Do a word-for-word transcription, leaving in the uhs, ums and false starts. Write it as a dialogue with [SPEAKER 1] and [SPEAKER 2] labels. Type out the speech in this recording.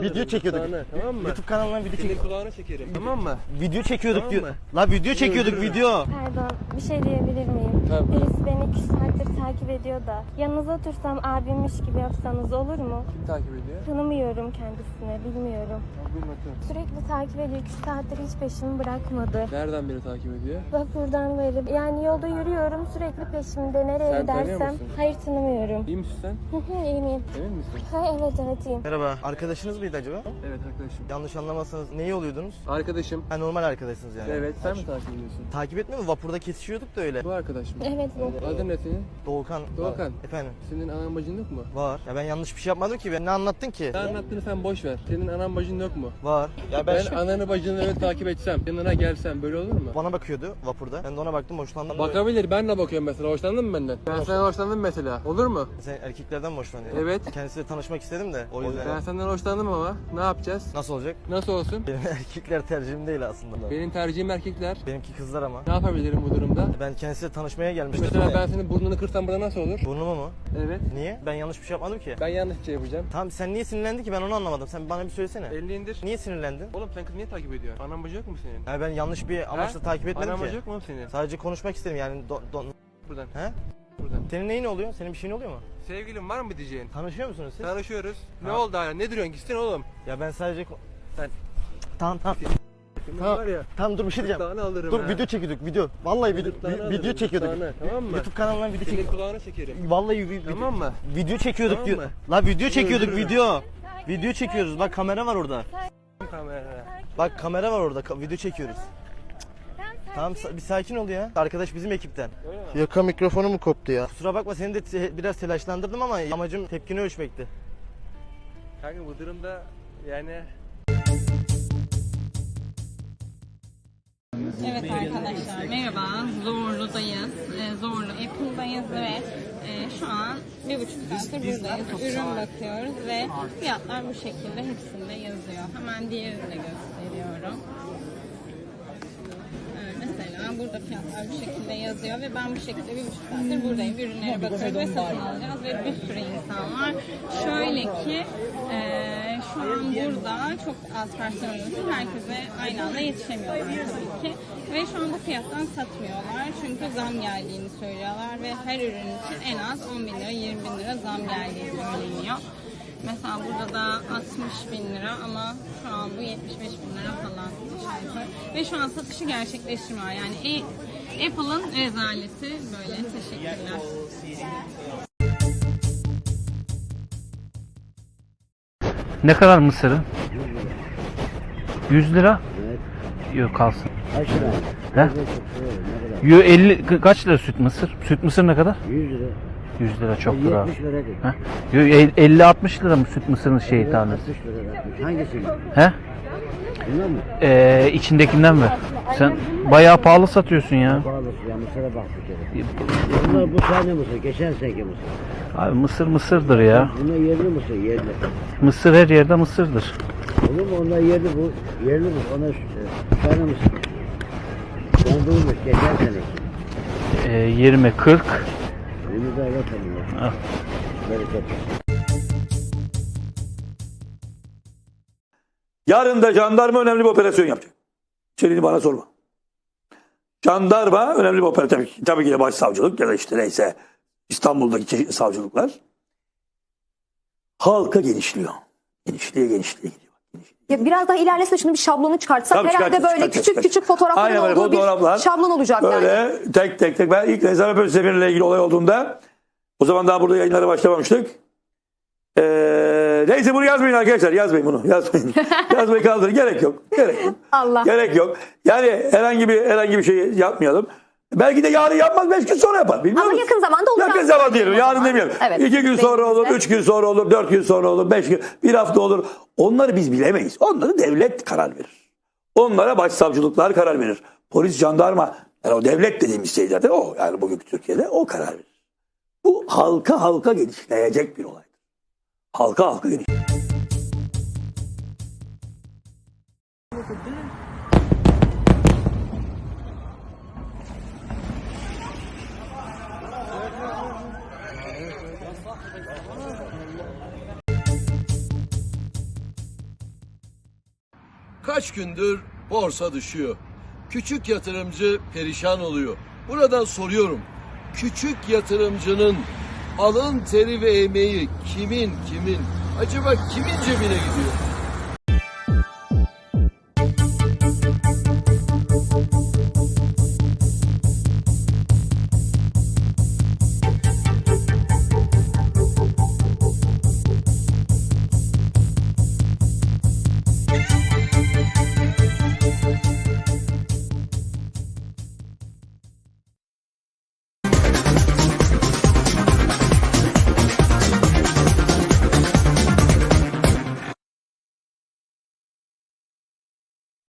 [SPEAKER 1] alırım.
[SPEAKER 2] Video çekiyorduk.
[SPEAKER 1] Kulağına, tamam mı?
[SPEAKER 2] YouTube kanalından video
[SPEAKER 1] Senin
[SPEAKER 2] çekiyorduk.
[SPEAKER 1] kulağını çekerim. Tamam mı?
[SPEAKER 2] Video çekiyorduk
[SPEAKER 1] Tamam
[SPEAKER 2] diyor.
[SPEAKER 1] mı?
[SPEAKER 2] La video çekiyorduk
[SPEAKER 1] Yürü.
[SPEAKER 2] video.
[SPEAKER 3] Pardon, bir şey diyebilir miyim?
[SPEAKER 1] Tabii.
[SPEAKER 3] Birisi beni iki saattir takip ediyor da. Yanınıza otursam abimmiş gibi yapsanız olur mu?
[SPEAKER 1] Kim takip ediyor?
[SPEAKER 3] Tanımıyorum kendisini, bilmiyorum.
[SPEAKER 1] Bilmiyorum.
[SPEAKER 3] Sürekli takip ediyor, iki saattir hiç peşimi bırakmadı.
[SPEAKER 1] Nereden beni takip ediyor?
[SPEAKER 3] Vapurdan beri, yani yolda yürüyorum, sürekli peşimde, nereye
[SPEAKER 1] Sen tanıyor
[SPEAKER 3] gidersem.
[SPEAKER 1] musun?
[SPEAKER 3] Hayır, tanımıyorum.
[SPEAKER 1] İyi misin sen?
[SPEAKER 3] Hı hı, iyiyim, iyiyim.
[SPEAKER 1] Emin misin?
[SPEAKER 3] Ha, evet, evet, iyiyim.
[SPEAKER 2] Merhaba. Arkadaşınız mıydı acaba?
[SPEAKER 1] Evet arkadaşım.
[SPEAKER 2] Yanlış anlamazsanız neyi oluyordunuz?
[SPEAKER 1] Arkadaşım.
[SPEAKER 2] Ha, normal arkadaşsınız yani.
[SPEAKER 1] Evet, sen mi takip ediyorsun?
[SPEAKER 2] Takip etmiyor mu? Vapurda kesişiyorduk da öyle.
[SPEAKER 1] Bu arkadaş mı?
[SPEAKER 3] Evet, bu.
[SPEAKER 1] Adın ne senin?
[SPEAKER 2] Doğukan.
[SPEAKER 1] Doğukan.
[SPEAKER 2] Var. Efendim.
[SPEAKER 1] Senin anan bacın yok mu?
[SPEAKER 2] Var. Ya ben yanlış bir şey yapmadım ki. Ben ne anlattın ki?
[SPEAKER 1] Ne anlattığını sen boş ver. Senin anan bacın yok mu?
[SPEAKER 2] Var. Ya ben,
[SPEAKER 1] Ben
[SPEAKER 2] şu-
[SPEAKER 1] ananı bacını öyle takip etsem, yanına gelsem böyle olur mu?
[SPEAKER 2] bana bakıyordu vapurda. Ben de ona baktım, hoşlandım.
[SPEAKER 1] Bakabilir, ben de bakıyorum mesela. Hoşlandın mı benden? Ben senden hoşlandım mesela. Olur mu?
[SPEAKER 2] Sen erkeklerden mi hoşlanıyorsun?
[SPEAKER 1] Evet.
[SPEAKER 2] Kendisiyle tanışmak istedim de o yüzden.
[SPEAKER 1] Ben senden hoşlandım ama ne yapacağız?
[SPEAKER 2] Nasıl olacak?
[SPEAKER 1] Nasıl olsun?
[SPEAKER 2] Benim erkekler tercihim değil aslında.
[SPEAKER 1] Benim tercihim erkekler.
[SPEAKER 2] Benimki kızlar ama.
[SPEAKER 1] Ne yapabilirim bu durumda?
[SPEAKER 2] Ben kendisiyle tanışmaya gelmiştim.
[SPEAKER 1] Mesela
[SPEAKER 2] de.
[SPEAKER 1] ben senin burnunu kırsam burada nasıl olur?
[SPEAKER 2] Burnumu mu?
[SPEAKER 1] Evet.
[SPEAKER 2] Niye? Ben yanlış bir şey yapmadım ki.
[SPEAKER 1] Ben yanlış bir şey yapacağım.
[SPEAKER 2] Tamam, sen niye sinirlendin ki, ben onu anlamadım. Sen bana bir söylesene.
[SPEAKER 1] Elini indir.
[SPEAKER 2] Niye sinirlendin?
[SPEAKER 1] Oğlum sen kız niye takip ediyorsun? Anan bacı yok mu senin?
[SPEAKER 2] Yani ben yanlış bir amaçla
[SPEAKER 1] He?
[SPEAKER 2] takip etmedim
[SPEAKER 1] Anan
[SPEAKER 2] ki.
[SPEAKER 1] bacı yok mu oğlum senin?
[SPEAKER 2] Sadece konuşmak istedim yani. Do, do,
[SPEAKER 1] Buradan.
[SPEAKER 2] he?
[SPEAKER 1] Buradan.
[SPEAKER 2] Senin neyin oluyor? Senin bir şeyin oluyor mu?
[SPEAKER 1] Sevgilim var mı diyeceğin?
[SPEAKER 2] Tanışıyor musunuz siz?
[SPEAKER 1] Tanışıyoruz. Ne
[SPEAKER 2] Ha.
[SPEAKER 1] oldu hala? Ne duruyorsun? Gitsin oğlum.
[SPEAKER 2] Ya ben sadece... ko-
[SPEAKER 1] Sen-
[SPEAKER 2] Tamam tamam.
[SPEAKER 1] Senin
[SPEAKER 2] Tamam.
[SPEAKER 1] var ya.
[SPEAKER 2] Tamam, dur bir şey diyeceğim.
[SPEAKER 1] Gırtlağını alırım
[SPEAKER 2] Dur,
[SPEAKER 1] ha.
[SPEAKER 2] video çekiyorduk video. Vallahi video,
[SPEAKER 1] Gırtlağını
[SPEAKER 2] vi-
[SPEAKER 1] alırım,
[SPEAKER 2] video çekiyorduk.
[SPEAKER 1] gırtlağını, tamam mı?
[SPEAKER 2] YouTube kanalından video
[SPEAKER 1] Senin
[SPEAKER 2] çekiyorduk.
[SPEAKER 1] kulağını çekerim.
[SPEAKER 2] Vallahi vi- video,
[SPEAKER 1] Tamam mı?
[SPEAKER 2] video çekiyorduk
[SPEAKER 1] Tamam
[SPEAKER 2] diyor.
[SPEAKER 1] mı?
[SPEAKER 2] La video çekiyorduk
[SPEAKER 1] dur.
[SPEAKER 2] video. Video çekiyoruz. Bak kamera var orada.
[SPEAKER 1] Kamera.
[SPEAKER 2] Bak kamera var orada. ka- Video çekiyoruz. Tamam, sa- bir sakin ol ya. Arkadaş bizim ekipten.
[SPEAKER 1] Öyle mi?
[SPEAKER 2] Yaka mikrofonu mu koptu ya? Kusura bakma, seni de te- biraz telaşlandırdım ama amacım tepkini ölçmekti.
[SPEAKER 1] Kanka bu durumda yani...
[SPEAKER 4] Evet arkadaşlar merhaba, Zorlu'dayız, ee, Zorlu Apple'dayız ve e, şu an bir buçuk saattir buradayız, ürün bakıyoruz ve fiyatlar bu şekilde hepsinde yazıyor. Hemen diğerini de gösteriyorum. Evet, mesela burada fiyatlar bu şekilde yazıyor ve ben bu şekilde bir buçuk saattir buradayım, ürünlere bakıyoruz ve satın alacağız ve bir sürü insan var. Şöyle ki e, şu an burada çok az personel için herkese aynı anda yetişemiyorlar tabii ki. Ve şu an bu fiyattan satmıyorlar çünkü zam geldiğini söylüyorlar ve her ürün için en az on bin lira, yirmi bin lira zam geldiği söyleniyor. Mesela burada da altmış bin lira ama şu an bu yetmiş beş bin lira falan aşağı yukarı. Ve şu an satışı gerçekleştirmiyor. Yani e- Apple'ın rezaleti böyle. Teşekkürler.
[SPEAKER 5] Ne kadar mısırı? yüz lira? Yok kalsın.
[SPEAKER 6] Kaç lira?
[SPEAKER 5] He?
[SPEAKER 6] Ne kadar?
[SPEAKER 5] Yo elli ka- kaç lira süt mısır? Süt mısır ne kadar?
[SPEAKER 6] yüz lira.
[SPEAKER 5] yüz lira çok lira.
[SPEAKER 6] yetmiş lira dedi.
[SPEAKER 5] He? Yo el- elli altmış lira mı süt mısırın şeyi tanesi?
[SPEAKER 6] altmış lira yapmış. Hangisini?
[SPEAKER 5] He?
[SPEAKER 6] Bilmem mi?
[SPEAKER 5] Ee, içindekinden ver. Sen bayağı pahalı satıyorsun ya.
[SPEAKER 6] Pahalısı ya, mısıra bak bir kere. Bunlar bu sene mısır, geçen seneki mısır.
[SPEAKER 5] Abi mısır mısırdır ya.
[SPEAKER 6] Bunlar yerli mısır, yerli.
[SPEAKER 5] Mısır her yerde mısırdır.
[SPEAKER 6] Olur mu? Onlar yerli bu, yerli bu. Ona şu tane mısır. Dondurmuş, geçen seneki.
[SPEAKER 5] Ee, yirmi kırk.
[SPEAKER 6] Bunu da alalım ya.
[SPEAKER 5] Al.
[SPEAKER 6] Bereket.
[SPEAKER 7] Yarın da jandarma önemli bir operasyon yapacak. İçeriğini bana sorma. Jandarma önemli bir operasyon. Tabii, ki- tabii ki de başsavcılık ya da işte neyse İstanbul'daki çeşitli savcılıklar. Halka genişliyor. Genişliğe genişliğe gidiyor.
[SPEAKER 8] Ya biraz daha ilerlese şunu bir şablonu çıkartsak
[SPEAKER 7] Tabii
[SPEAKER 8] herhalde
[SPEAKER 7] çıkartacağız,
[SPEAKER 8] böyle
[SPEAKER 7] çıkartacağız,
[SPEAKER 8] küçük küçük
[SPEAKER 7] çıkartacağız.
[SPEAKER 8] fotoğrafların
[SPEAKER 7] Aynen böyle
[SPEAKER 8] olduğu
[SPEAKER 7] fotoğraflar.
[SPEAKER 8] bir şablon olacak
[SPEAKER 7] Böyle
[SPEAKER 8] yani.
[SPEAKER 7] tek tek tek. Ben ilk rezerve polis seferiyle ilgili olay olduğunda o zaman daha burada yayınlara başlamamıştık. Ee, neyse bunu yazmayın arkadaşlar. Yazmayın bunu. Yazmayın. Yazmayı kaldırın. Gerek yok. Gerek yok.
[SPEAKER 8] Allah.
[SPEAKER 7] Gerek yok. Yani herhangi bir herhangi bir şey yapmayalım. Belki de yarın yapmaz, beş gün sonra yapar. Bilmiyor
[SPEAKER 8] Ama
[SPEAKER 7] musun?
[SPEAKER 8] yakın zamanda olur.
[SPEAKER 7] Yakın zaman diyelim. Yarın demeyelim.
[SPEAKER 8] Evet.
[SPEAKER 7] İki gün sonra olur,
[SPEAKER 8] Bekleyinize.
[SPEAKER 7] üç gün sonra olur, dört gün sonra olur, beş gün, bir hafta olur. Onları biz bilemeyiz. Onları devlet karar verir. Onlara başsavcılıklar karar verir. Polis, jandarma, yani o devlet dediğimiz şey zaten o. Yani bugünkü Türkiye'de o karar verir. Bu halka halka genişleyecek bir olaydır. Halka halka genişleyecek.
[SPEAKER 9] Kaç gündür borsa düşüyor. Küçük yatırımcı perişan oluyor. Buradan soruyorum. Küçük yatırımcının alın teri ve emeği kimin kimin acaba kimin cebine gidiyor?